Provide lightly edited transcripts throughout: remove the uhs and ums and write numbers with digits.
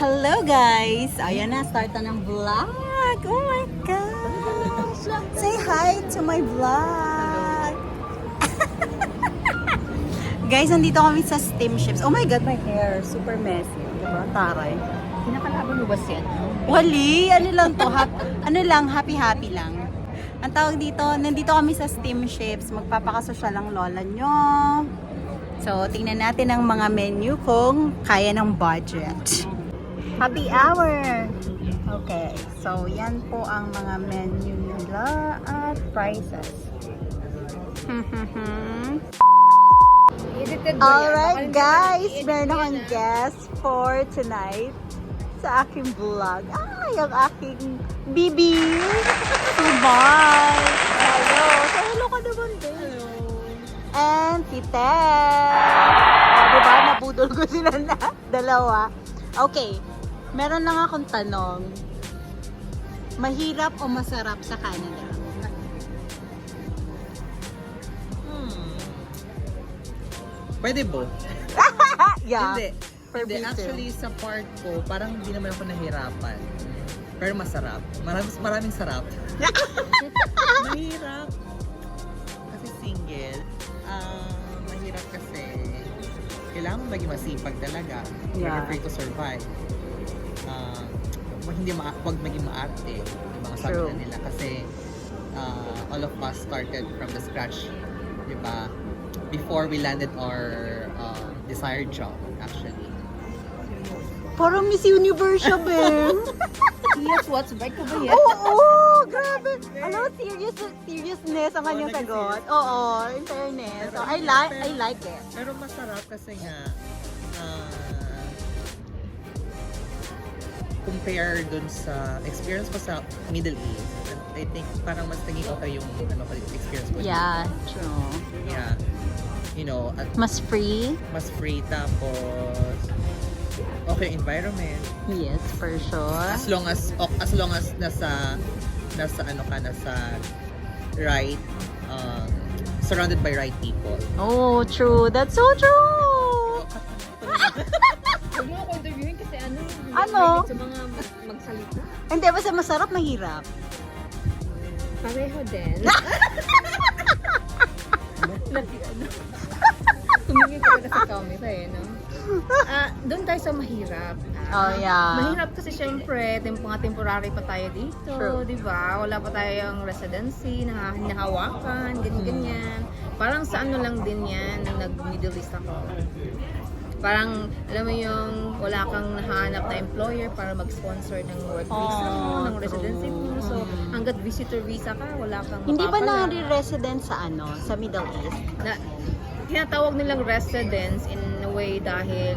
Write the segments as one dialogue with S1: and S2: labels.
S1: Hello guys! Ayan na, start na ng vlog! Oh my gosh! Say hi to my vlog! Guys, nandito kami sa steamships. Oh my god, my hair! Super messy. Diba? Taray.
S2: Kinakalaban mo ba siya?
S1: Wali! Ano lang to? Ano lang, happy-happy lang. Ang tawag dito, nandito kami sa steamships. Magpapakasosyal ang lola nyo. So, tingnan natin ang mga menu kung kaya ng budget. Happy hour! Okay, so yan po ang mga menu nila at prices. Alright guys, meron akong guest for tonight sa aking vlog. Yung aking bibi! Subay! Hello! So, hello ka naman din. Hello! And si Ted! Diba? Nabudol ko sila na dalawa. Okay, meron lang akong tanong. Mahirap o masarap sa Canada?
S3: Pwede po.
S1: Yeah.
S3: Hindi.
S1: For
S3: Hindi.
S1: me too.
S3: Actually, sa part ko, parang hindi naman ako nahirapan. Pero masarap. Maraming sarap. Mahirap. Kasi single. Mahirap kasi kailangan mo maging masipag talaga.
S1: Yeah.
S3: For you to survive. Wag maging maarte. Yung mga sabi
S1: True.
S3: na nila. Kasi all of us started from the scratch. Diba? Before we landed our desired job, actually.
S1: Parang Miss Universe siya, Ben.
S2: Yes, what's back ka ba yan?
S1: Oo, grabe. Ano, seriousness ang kanyang sagot. Oo, in fairness. So, I like it.
S3: Pero masarap kasi nga compare dun sa experience ko sa Middle East. I think parang mas naging okay yung experience ko.
S1: Yeah, true.
S3: Yeah. You know, at
S1: Mas free?
S3: mas free tapos okay yung environment.
S1: Yes, for sure.
S3: As long as nasa right surrounded by right people.
S1: Oh, true. That's so true.
S2: Huwag mo ako interviewin kasi ano?
S1: Ano?
S2: Sa mga magsalita.
S1: Hindi, basta masarap, mahirap.
S2: Pareho din. Tumingin ka na sa camera eh, no? Doon tayo sa mahirap.
S1: Oh, yeah.
S2: Mahirap kasi syempre, mga temporary pa tayo dito,
S1: True.
S2: di ba? Wala pa tayong residency, nahawakan, ganyan-ganyan. Parang sa ano lang din yan, nang nag-Middle East ako. Parang, alam mo yung wala kang nahanap na employer para mag-sponsor ng work visa mo, ng residency mo. So, hanggat visitor visa ka, wala kang
S1: Hindi ba
S2: mapapala.
S1: na-resident sa sa Middle East?
S2: Tinatawag nilang residence in a way dahil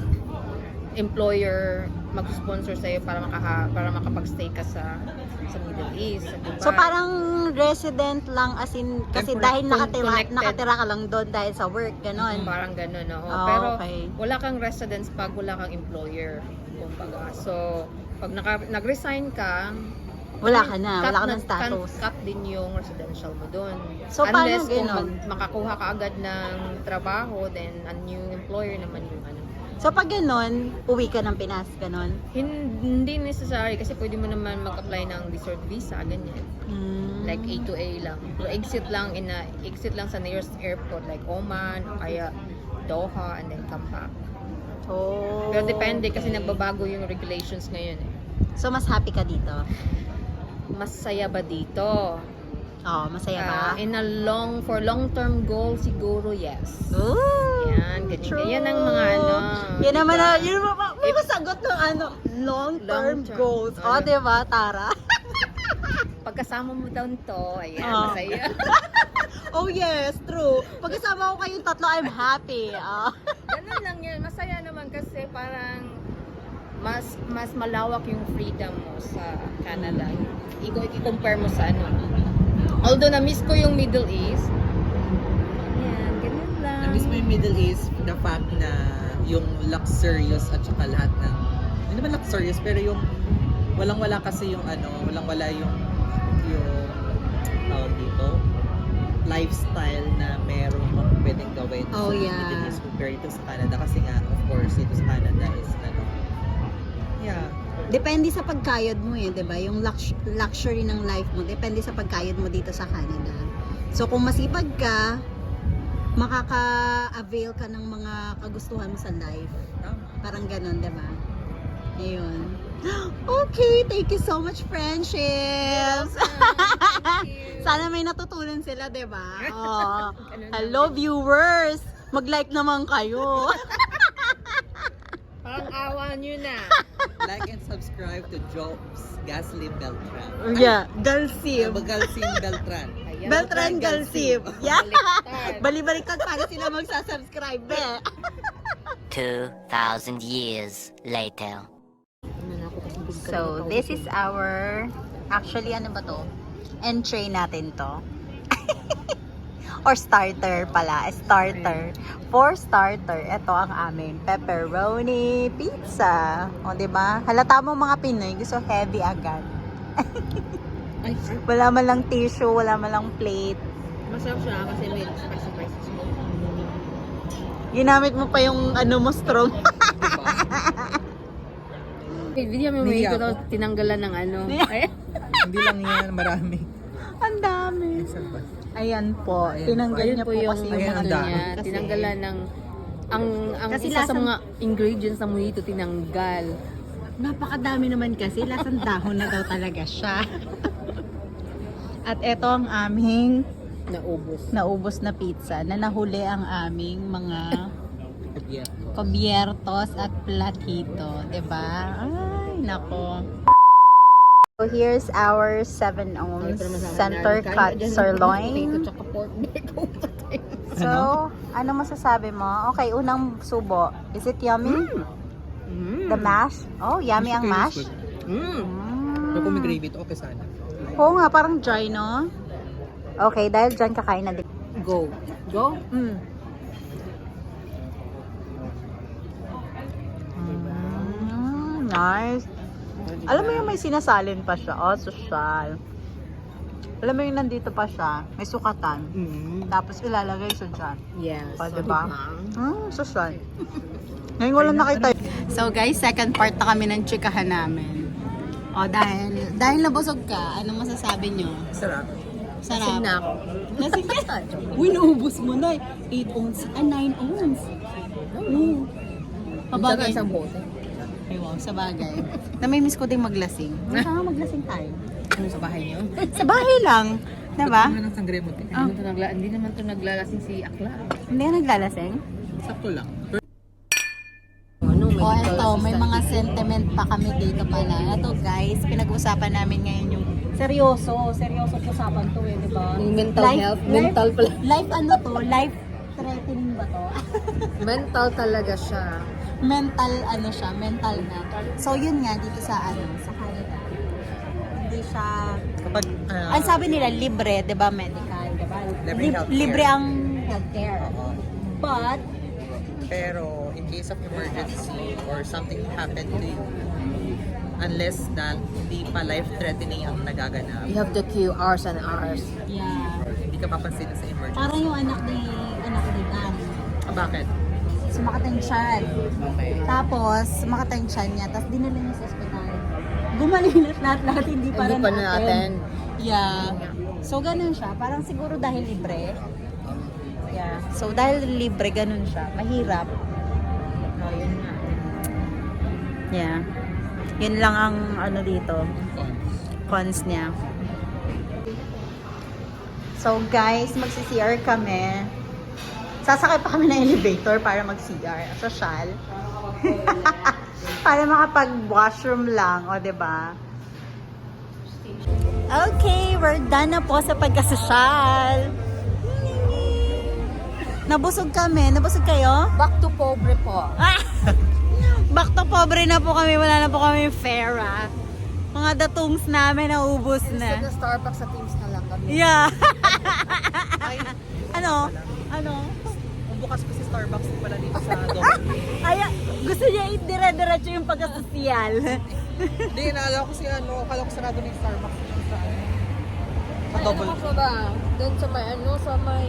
S2: employer mag-sponsor sa'yo para makapag-stay ka sa Middle East, sa Dubai.
S1: So parang resident lang as in kasi dahil
S2: Connected.
S1: nakatira ka lang doon dahil sa work, gano'n.
S2: Parang ganun, oo.
S1: Oh,
S2: Pero
S1: okay.
S2: wala kang residence pag wala kang employer, kumbaga. So, pag nag-resign ka,
S1: Wala ka ng status.
S2: Cut din yung residential mo doon.
S1: So, paano
S2: Unless kung
S1: ganun?
S2: makakuha ka agad ng trabaho, then a new employer naman yung ano.
S1: So pag gano'n, uwi ka ng Pinas, gano'n?
S2: Hindi necessary kasi pwede mo naman mag-apply ng resort visa, ganyan. Like A to A lang. So, exit lang sa nearest airport like Oman o kaya Doha and then come back.
S1: Oh.
S2: Pero depende kasi nagbabago yung regulations ngayon eh.
S1: So mas happy ka dito?
S2: Masaya ba dito?
S1: Oh, masaya ba?
S2: For long-term goal siguro yes.
S1: Ooh,
S2: Yan, ganyan.
S1: true.
S2: Yan ang mga ano.
S1: Yan naman may masagot ng long-term
S2: Long-term.
S1: goals.
S2: Ano?
S1: Oh, diba, Tara?
S2: Pagkasama mo doon to, ayan,
S1: Oh.
S2: masaya.
S1: Oh yes, true. Pagkasama ko kayong tatlo, I'm happy.
S2: Ganun lang yun. Masaya naman kasi parang mas malawak yung freedom mo sa Canada. I-compare mo sa ano. Although na-miss ko yung Middle East. Yan, ganun lang.
S3: Na-miss mo yung Middle East, the fact na yung luxurious at saka lahat ng hindi naman luxurious pero yung walang-wala kasi yung walang-wala yung tawag dito lifestyle na meron kang pwedeng gawin
S1: Oh,
S3: sa
S1: yeah.
S3: Middle East compared to sa Canada kasi nga of course ito sa Canada is
S1: depende sa pagkayod mo eh, 'di ba? Yung luxury ng life mo, depende sa pagkayod mo dito sa Canada. So kung masipag ka, makaka-avail ka ng mga kagustuhan mo sa life. Parang ganun, 'di ba? Ayun. Okay, thank you so much, friendships. Sana may natutunan sila, 'di ba? Oh. Hello viewers, mag-like naman kayo.
S2: Parang awa nyo na.
S3: Like and subscribe to Jobs Gasly Beltran.
S1: Yeah, Galsib.
S3: Galsim Beltran.
S2: Ayan.
S1: Beltran Galsib. Yeah.
S2: Baliktad.
S1: Bali-baliktad para sila magsasubscribe eh.
S4: 2,000 years later.
S1: So, this is our, actually ano ba to? Entree natin to. Or starter pala, starter. For starter, ito ang aming pepperoni pizza. O, diba? Halata mo mga Pinoy, gusto heavy agad.
S2: Ay,
S1: Wala man lang tissue, wala man lang plate.
S2: masarap siya kasi may spicy mo.
S1: Ginamit mo pa yung ano mo, strong.
S2: Video mo
S3: Hindi
S2: ko
S3: ako.
S2: daw tinanggalan ng ano. Ay,
S3: Hindi lang yan, marami.
S1: Ang dami. Ayan po,
S3: Ayan.
S1: tinanggal
S2: ayun
S1: niya
S2: po
S1: po
S2: yung
S1: kasi
S3: Ayan,
S1: yung
S3: ang
S2: ano
S1: mga
S3: dami.
S2: niya.
S1: Kasi-
S2: Tinanggalan ng ang
S1: Kasi
S2: isa sa
S1: lasang-
S2: mga ingredients ng mojito tinanggal.
S1: Napakadami naman kasi, lasang dahon na daw talaga siya. At ito ang aming
S2: Naubos.
S1: naubos na pizza na nahuli ang aming mga
S3: Yeah.
S1: cubiertos at platito, 'di ba? Ay, nako. So here's our 7 ounce center cut sirloin.
S2: Tsaka pork bacon.
S1: So, ano masasabi mo? Okay, unang subo. Is it yummy? The mash? Oh, yummy ang mash.
S3: Pero kung may gravy ito, okay sana.
S1: Oo nga, parang dry, no? Okay, dahil dyan kakain na din.
S2: Go. Go?
S1: Nice. Alam mo yung may sinasalin pa siya. Oh, social. Alam mo yung nandito pa siya. May sukatan. Tapos ilalagay siya dyan.
S2: Yes.
S1: O, diba? Social. Ngayon ko lang nakita. So guys, second part na kami ng chikahan namin. O, dahil nabusog ka, anong masasabi nyo?
S3: Sarap.
S1: Sarap.
S2: Sinak.
S1: Nasing na. Uy, naubos mo na. 8 ounce. 9 ounce. Pabagay.
S2: Isang bote.
S1: Ay, wow, sa bagay. Namimiss ko ding maglasing. Saan nga maglasing tayo?
S2: Ano sa bahay niyo?
S1: Sa bahay lang. Diba?
S3: Ba't ng sangre mo?
S2: Hindi naman to naglalasing si Akla.
S1: Hindi ka naglalasing?
S3: Sakto lang.
S2: Ano,
S1: O, eto, may mga sentiment pa kami dito pala. Eto guys, pinag-uusapan namin ngayon yung seryoso usapan to eh, diba?
S2: Yung mental health, mental pala.
S1: Life ano to? Life threatening ba to?
S2: Mental talaga siya.
S1: Mental ano siya, mental na. So yun nga dito sa sa Canada. Hindi siya
S3: Kapag,
S1: ang sabi nila libre, 'di ba, medical, 'di ba?
S3: Libre healthcare.
S1: Libre ang healthcare. But
S3: pero in case of emergency or something happened to you, unless na hindi pa life-threatening ang nagaganap,
S2: You have to queue hours and hours.
S1: yeah,
S3: hindi ka papansin sa emergency.
S1: parang yung anak ni Dan.
S3: Bakit?
S1: Sumakit ang tiyan.
S3: Okay.
S1: Tapos sumakit ang tiyan niya, tapos dinala niya sa ospital. Gumaling lahat hindi pa
S2: Hindi
S1: rin
S2: pa natin.
S1: Yeah. So ganun siya, parang siguro dahil libre. Yeah. So dahil libre ganun siya, mahirap. Oh, yun nga. Yeah. Yun lang ang ano dito, cons niya. So guys, magsi-CR kami. Sasakay pa kami ng elevator para mag-CR. Social. Para makapag-washroom lang, o 'di ba? Okay, we're done na po sa pagkasosyal. Nabusog kami. Nabusog kayo?
S2: Back to pobre po.
S1: Back to pobre na po kami. Wala na po kami pera. Mga datungs namin naubos na.
S2: Sa Starbucks sa Teams na lang kami.
S1: Yeah. Ano?
S3: Bukas pa si Starbucks pala dito sa Double.
S1: Ay, gusto niya itira-diretso yung pagkasosyal.
S3: Hindi, naalala ko si akala ko sarado na yung Starbucks dito sa sa
S2: Ay,
S3: Double.
S2: ano ka ba? Doon sa may sa may...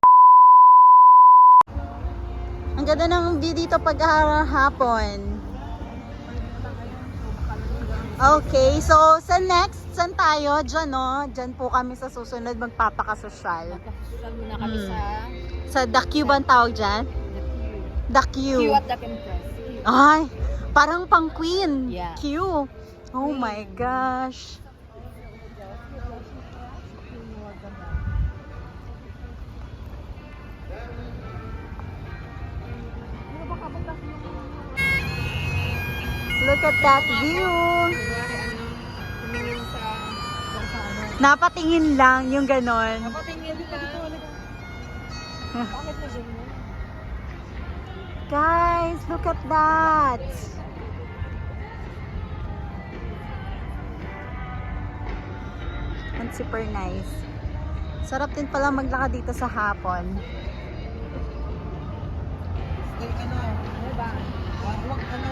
S1: Ang ganda ng view dito pag hapon. Okay, so sa next, saan tayo? Diyan, no? Diyan po kami sa susunod magpapakasosyal.
S2: Magpapasusan muna kami
S1: Mm.
S2: sa
S1: Sa The Q ba ang tawag dyan? The Q.
S2: Q at the Empress.
S1: Ay, parang pang queen.
S2: Yeah.
S1: Q. Oh my gosh. Look at that view.
S2: Tumingin sa
S1: Napatingin lang yung ganon.
S2: Napatingin lang. Bakit na ganyan?
S1: Guys, look at that. And super nice. Sarap din pala maglakad dito sa hapon.
S3: Ay, ano?
S2: Diba?
S3: Wag, ano?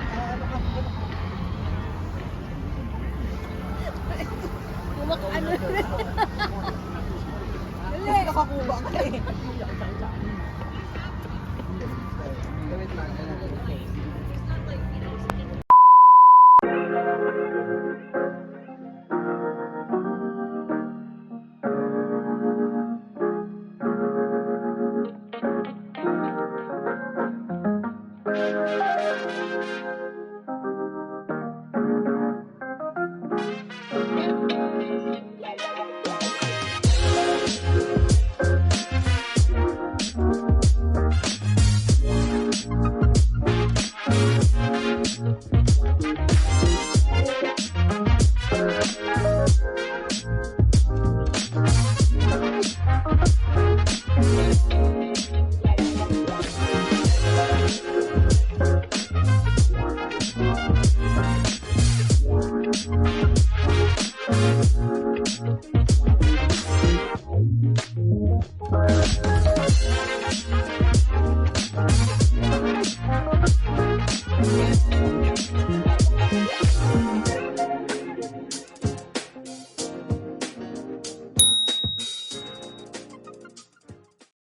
S2: Ano?
S3: Kasi nakakuba ka eh. Wait lang.